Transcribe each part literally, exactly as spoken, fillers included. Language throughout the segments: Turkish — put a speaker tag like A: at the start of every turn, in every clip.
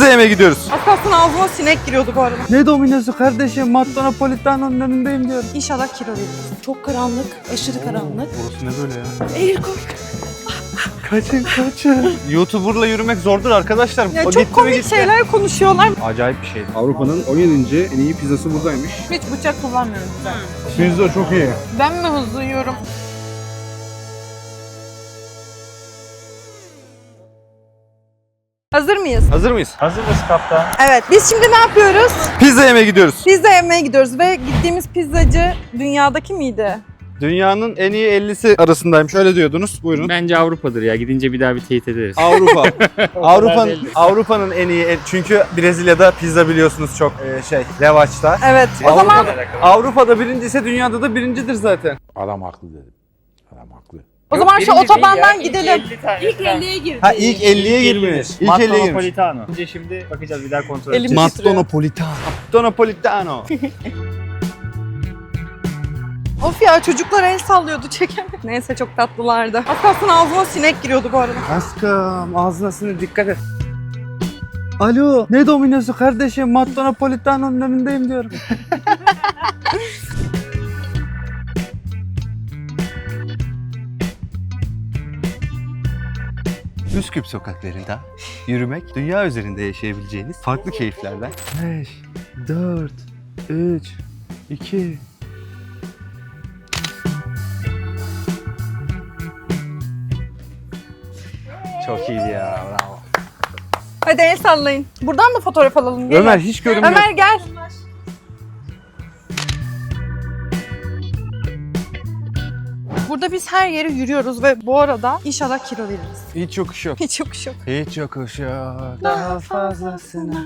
A: yemeye gidiyoruz.
B: Az kalsın ağzıma sinek giriyordu bu arada.
A: Ne Domino'su kardeşim? Matto Napolitano'nun önündeyim diyorum.
B: İnşallah kilo veririz.
C: Çok karanlık, aşırı karanlık.
A: Burası ne böyle ya?
C: Eğil koy.
A: Kaçın kaçın. YouTuber'la yürümek zordur arkadaşlar.
B: Ya
A: O
B: çok
A: gitti mi
B: komik
A: gitti.
B: şeyler konuşuyorlar.
A: Acayip bir şey.
D: Avrupa'nın on yedinci en iyi pizzası buradaymış.
B: Hiç bıçak kullanmıyorum ben.
D: Pizza çok iyi.
B: Ben mi hızlı yiyorum? Hazır mıyız?
A: Hazır mıyız?
E: Hazırız kaptan.
B: Evet. Biz şimdi ne yapıyoruz?
A: Pizza yemeye gidiyoruz.
B: Pizza yemeye gidiyoruz ve gittiğimiz pizzacı dünyadaki miydi?
A: Dünyanın en iyi ellisi arasındaymış. Öyle diyordunuz. Buyurun.
E: Bence Avrupa'dır ya. Gidince bir daha bir teyit ederiz.
A: Avrupa. Avrupa'nın
E: değil.
A: Avrupa'nın en iyi el- çünkü Brezilya'da pizza biliyorsunuz çok e, şey revaçta.
B: Evet. O zaman
A: Avrupa'da, Avrupa'da birinci ise dünyada da birincidir zaten.
D: Adam haklı dedim. Adam haklı.
B: o zaman şu otobandan gidelim.
C: İlk elliye girdi.
A: Ha ilk elliye girmiş. İlk
E: Matto
A: elliye girmiş.
E: Napolitano. Önce şimdi bakacağız, bir daha kontrol
B: Elim-
E: edeceğiz.
B: titriyor.
A: Napolitano. Matto Napolitano.
B: Of ya, çocuklar el sallıyordu, çekemedim. Neyse, çok tatlılardı. Az kalsın ağzıma sinek giriyordu bu arada.
A: Aşkım ağzına sinir, dikkat et. Alo, ne Domino'su kardeşim? Matto Napolitano'nun önündeyim diyorum. Üsküp sokaklarında yürümek, dünya üzerinde yaşayabileceğiniz farklı keyiflerden. beş, dört, üç, iki... Çok iyiydi ya, bravo.
B: Hadi el sallayın. Buradan da fotoğraf alalım. Gelin.
A: Ömer hiç görünmüyor.
B: Ömer gel. Burada biz her yere yürüyoruz ve bu arada inşallah kilo veririz.
A: Hiç yokuş yok.
B: Hiç yokuş yok.
A: Hiç yokuş yok. Daha fazlasına.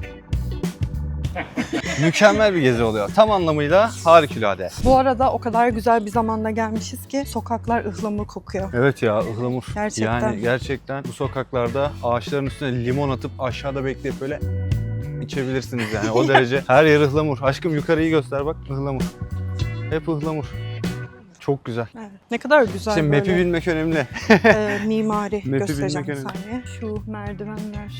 A: Mükemmel bir gezi oluyor. Tam anlamıyla harikulade.
B: Bu arada o kadar güzel bir zamanda gelmişiz ki sokaklar ıhlamur kokuyor.
A: Evet ya, ıhlamur.
B: Gerçekten.
A: Yani gerçekten bu sokaklarda ağaçların üstüne limon atıp aşağıda bekleyip böyle içebilirsiniz yani. O derece her yer ıhlamur. Aşkım yukarıyı göster bak, ıhlamur. Hep ıhlamur. Çok güzel.
B: Evet. Ne kadar güzel
A: İşte
B: böyle
A: map'i bilmek önemli.
B: e, mimari
A: Map'i
B: göstereceğim bir
A: bilmek önemli.
B: saniye. Şu merdivenler.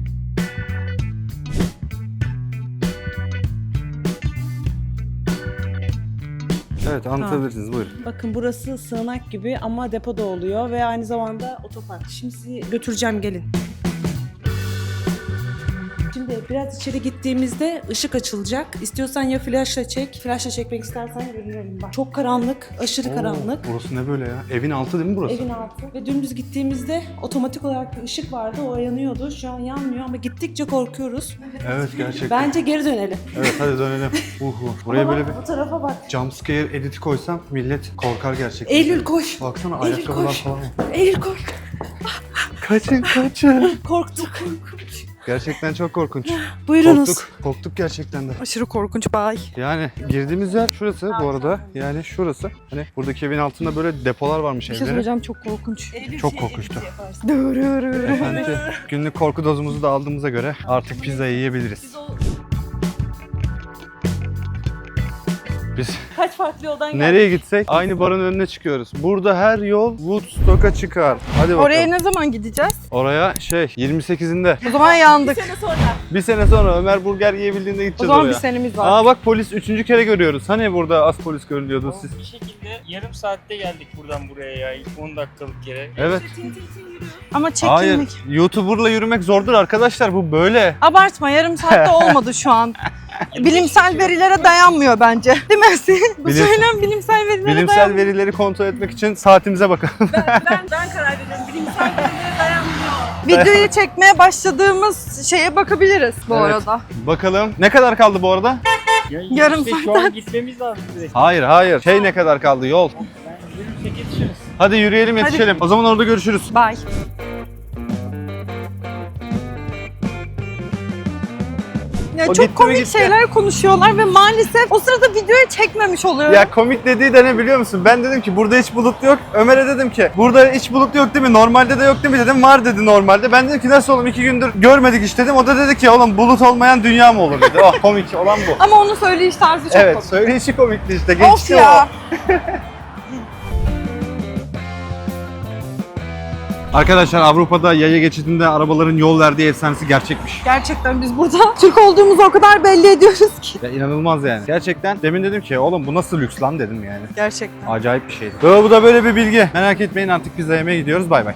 A: Evet, anlatabilirsiniz, buyurun.
C: Bakın burası sığınak gibi ama depoda oluyor ve aynı zamanda otopark. Şimdi sizi götüreceğim, gelin. Şimdi biraz içeri gittiğimizde ışık açılacak. İstiyorsan ya flaşla çek, flaşla çekmek istersen görünüyorum bak. Çok karanlık, aşırı karanlık.
A: Burası ne böyle ya? Evin altı değil mi burası?
C: Evin altı. Ve dümdüz gittiğimizde otomatik olarak bir ışık vardı, o yanıyordu. Şu an yanmıyor ama gittikçe korkuyoruz.
A: Evet, gerçekten.
C: Bence geri dönelim.
A: Evet, hadi dönelim. Uhu. Buraya
C: Ama
A: böyle
C: bak,
A: bir
C: bu tarafa bak.
A: jumpscare editi koysam millet korkar gerçekten.
C: Eylül koş.
A: Baksana
C: Eylül
A: ayakkabılar
C: koş.
A: falan.
C: Eylül koş.
A: Kaçın kaçın.
C: Korktuk.
A: Gerçekten çok korkunç.
C: Buyurunuz.
A: Korktuk. Korktuk gerçekten de.
B: Aşırı korkunç bay.
A: Yani girdiğimiz yer şurası bu arada. Yani şurası. Hani buradaki evin altında böyle depolar varmış
B: Bir şey
A: evlerin.
B: söyleyeceğim, çok korkunç.
A: Çok korkunçtu.
B: Dırırır.
A: Efendim, günlük korku dozumuzu da aldığımıza göre artık pizza yiyebiliriz. Biz
C: Kaç farklı yoldan geldik?
A: nereye gitsek aynı barın önüne çıkıyoruz. Burada her yol Woodstock'a çıkar. Hadi bakalım.
B: Oraya ne zaman gideceğiz?
A: Oraya şey yirmi sekizinde.
B: O zaman yandık.
A: Bir sene sonra Ömer burger yiyebildiğinde
B: O
A: gideceğiz
B: zaman
A: oraya.
B: bir senemiz var.
A: Aa bak, polis üçüncü kere görüyoruz. Hani burada az polis görülüyordu siz.
E: Bir şekilde yarım saatte geldik buradan buraya ya. İlk on dakikalık yere.
A: Evet.
B: Ama
A: Hayır.
B: çekilmek.
A: YouTuber'la yürümek zordur arkadaşlar, bu böyle.
B: Abartma, yarım saatte olmadı şu an. Bilimsel verilere dayanmıyor bence. Değil mi Asil? Bu
A: Bilim-
B: söylem bilimsel verilere
A: Bilimsel
B: dayanmıyor.
A: verileri kontrol etmek için saatimize bakalım.
C: Ben, ben karar veriyorum. Bilimsel verilere dayanmıyor.
B: Videoyu çekmeye başladığımız şeye bakabiliriz bu
A: Evet.
B: arada.
A: Bakalım. Ne kadar kaldı bu arada?
E: Ya
B: Yarım
E: işte şu
B: saatten-
E: an gitmemiz lazım direkt.
A: Hayır hayır. Şey, ne kadar kaldı yol?
E: Ben yürürsek yetişiriz.
A: Hadi yürüyelim, yetişelim. O zaman orada görüşürüz.
B: Bye. Ya
A: O gitti mi
B: çok komik
A: gitti?
B: şeyler konuşuyorlar ve maalesef o sırada videoyu çekmemiş oluyorum.
A: Ya komik dediği de ne biliyor musun? Ben dedim ki burada hiç bulut yok. Ömer'e dedim ki burada hiç bulut yok değil mi? Normalde de yok değil mi dedim. Var dedi normalde. Ben dedim ki nasıl oğlum, iki gündür görmedik hiç dedim. O da dedi ki oğlum bulut olmayan dünya mı olur dedi. Oh, komik olan bu.
B: Ama onun söyleyiş tarzı çok
A: Evet,
B: komik.
A: söyleyişi komikti işte.
B: Of
A: Geçti
B: ya.
A: o. Arkadaşlar Avrupa'da yaya geçidinde arabaların yol verdiği efsanesi gerçekmiş.
B: Gerçekten biz burada Türk olduğumuzu o kadar belli ediyoruz ki.
A: Ya inanılmaz yani. Gerçekten demin dedim ki oğlum bu nasıl lüks lan dedim yani.
B: Gerçekten.
A: Acayip bir şeydi. Böyle, bu da böyle bir bilgi. Merak etmeyin artık pizza yemeye gidiyoruz. Bay bay.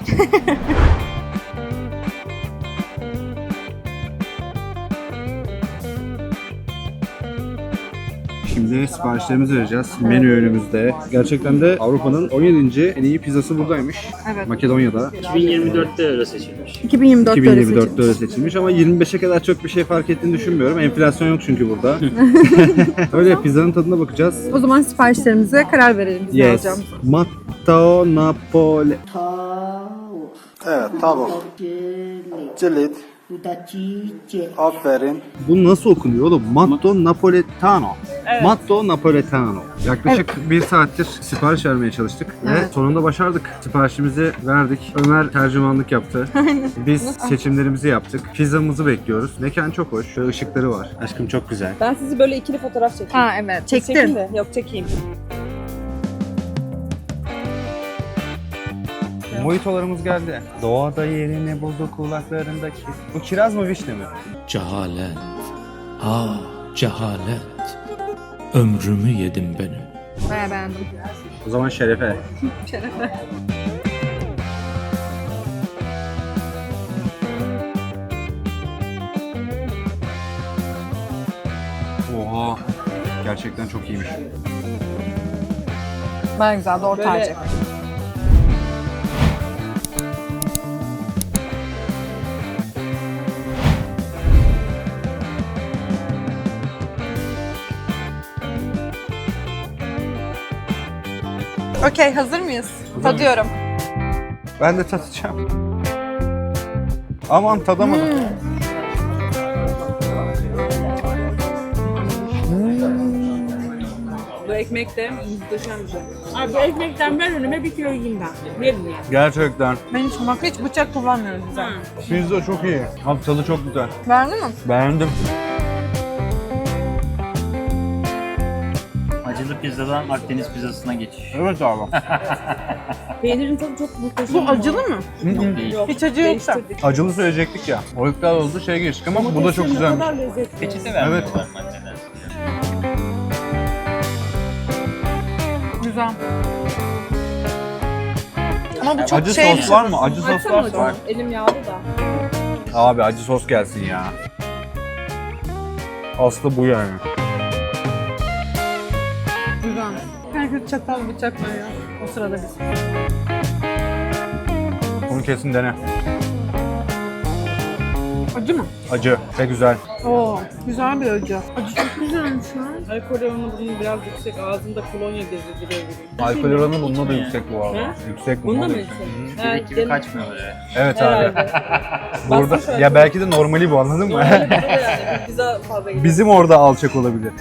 D: Şimdi siparişlerimizi vereceğiz. Menü önümüzde. Gerçekten de Avrupa'nın on yedinci en iyi pizzası buradaymış.
B: Evet.
D: Makedonya'da.
E: iki bin yirmi dörtte öyle seçilmiş.
B: iki bin yirmi dörtte
D: iki bin yirmi dörtte öyle seçilmiş ama yirmi beşe kadar çok bir şey fark ettiğini düşünmüyorum. Enflasyon yok çünkü burada. Öyle pizzanın tadına bakacağız.
B: O zaman siparişlerimize karar verelim biz ne
D: Yes.
B: alacağımızı.
D: Matto Napoli.
A: Evet tavuk. Cilit. Aferin.
D: Bu nasıl okunuyor oğlum? Matto Napoletano. Matto Napoletano. Yaklaşık bir saattir sipariş vermeye çalıştık ve
B: Evet.
D: sonunda başardık. Siparişimizi verdik. Ömer tercümanlık yaptı. Biz seçimlerimizi yaptık. Pizzamızı bekliyoruz. Mekan çok hoş. Şöyle ışıkları var.
A: Aşkım çok güzel.
C: Ben sizi böyle ikili fotoğraf çekeyim.
B: Ha evet.
C: Çektim
B: Çektin.
C: de. Yok çekeyim.
A: Mojitolarımız geldi. Doğada yerini buldu kulaklarındaki. Bu kiraz mı vişne mi?
F: Cehalet, ah cehalet, ömrümü yedim benim.
B: Bayağı beğendim.
A: O zaman şerefe.
B: Şerefe.
A: Oha. Gerçekten çok iyiymiş.
B: Bayağı güzel. Doğru
C: Böyle-
B: tercih. Okey, hazır mıyız? Tadıyorum.
A: Ben de tatacağım. Aman tadamadım.
C: Bu ekmek de muhteşem bir şey. Abi bu ekmekten ver önüme bir kilo yiyeyim ben. Verin yani.
A: Gerçekten.
B: Ben hiç, bak hiç bıçak kullanmıyoruz güzel.
A: Pizza çok iyi. Abi tadı çok güzel.
B: Beğendin mi?
A: Beğendim.
E: Acılı pizzadan Akdeniz pizzasına geçiş.
A: Evet abi.
C: Peynirin tadı çok muhteşem.
B: Bu acılı mı?
E: Çok değil.
C: Yok.
B: Hiç acı yoksa.
C: Değiştirdik.
A: Acılı söyleyecektik ya. O iptal oldu şey geçtik ama bu da çok
C: Ne
A: güzelmiş.
C: kadar lezzetli.
E: Peçete vermiyorlar maddeden.
B: Güzel. Ama bu çok
A: Acı
B: şey...
A: sos var mı? Acı sos
C: Açsana
A: varsa
C: hocam.
A: var.
C: Elim yağlı da.
A: Abi acı sos gelsin ya. Aslı bu yani.
B: Güzel. Herkes çatal bıçak var ya. O sırada biz.
A: Bunu kesin dene.
B: Acı mı?
A: Acı ve güzel.
B: Oo, güzel bir acı. Acı çok güzelmiş ya.
C: Alkol oranı bunun biraz yüksek. Ağzında kolonya gezdiriyor gibi.
A: Alkol oranı bunda da yüksek bu arada.
C: He?
A: Yüksek
C: Bunda
A: bunda
C: mı
A: da
C: yüksek?
A: yüksek.
C: Ha,
E: Gibi
C: gene-
E: kaçmıyor böyle.
A: Evet abi.
C: Herhalde.
A: Burada
C: Bastı şöyle.
A: ya belki de normali bu anladın mı?
C: Normalde burada da yani. Pizza fazla gidiyor.
A: Bizim orada alçak olabilir.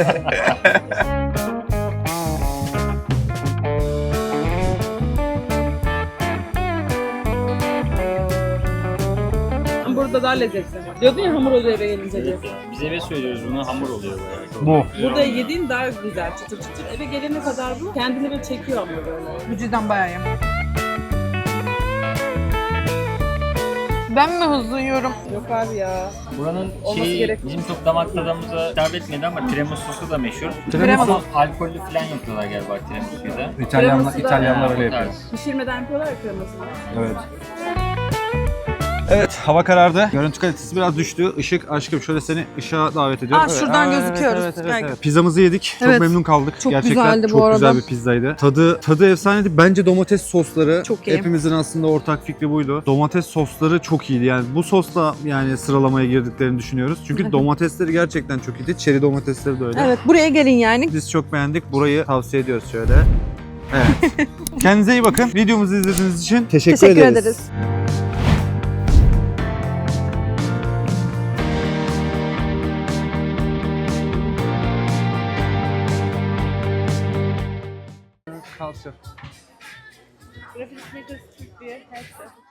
C: Burada daha lezzetli. Diyordun ya hamur oluyor eve gelince diye.
E: Biz eve söylüyoruz bunu hamur oluyor bayağı.
A: Bu.
C: Burada yediğin daha güzel, çıtır çıtır. Eve gelene kadar bu kendini böyle çekiyor ama böyle.
B: Bu cidden bayağı iyi. Ben mi hızlı yiyorum?
C: Yok abi ya.
E: Buranın
C: Olması
E: şeyi
C: gerekmiyor.
E: bizim çok damak tadımıza hitap etmedi ama tiramisu'su da meşhur.
B: Tiramisu.
E: Ama alkollü falan yapıyorlar galiba tiramisu'yu da.
A: İtalyanlar,
C: Kreması da-
A: İtalyanlar
E: Ha,
A: öyle
E: o tarz.
A: yapıyor.
C: Pişirmeden yapıyorlar ya kremasını.
A: Evet. Evet, hava karardı. Görüntü kalitesi biraz düştü. Işık, aşkım şöyle seni ışığa davet ediyorum.
B: Aa, şuradan
A: evet,
B: gözüküyoruz.
A: Evet, evet,
B: Belki.
A: evet. Pizzamızı yedik. Çok
B: Evet.
A: memnun kaldık.
B: Çok
A: Gerçekten
B: güzeldi bu
A: çok güzel
B: arada.
A: bir pizzaydı. Tadı tadı efsaneydi. Bence domates sosları
B: Çok iyi.
A: hepimizin aslında ortak fikri buydu. Domates sosları çok iyiydi. Yani bu sosla yani sıralamaya girdiklerini düşünüyoruz. Çünkü domatesleri gerçekten çok iyiydi. Çeri domatesleri de öyle.
B: Evet, buraya gelin yani.
A: Biz çok beğendik. Burayı tavsiye ediyoruz şöyle. Evet. Kendinize iyi bakın. Videomuzu izlediğiniz için teşekkür,
B: Teşekkür
A: ederiz.
B: ederiz.
A: Kalsın.
C: Grafik Makers Türk diye her şey.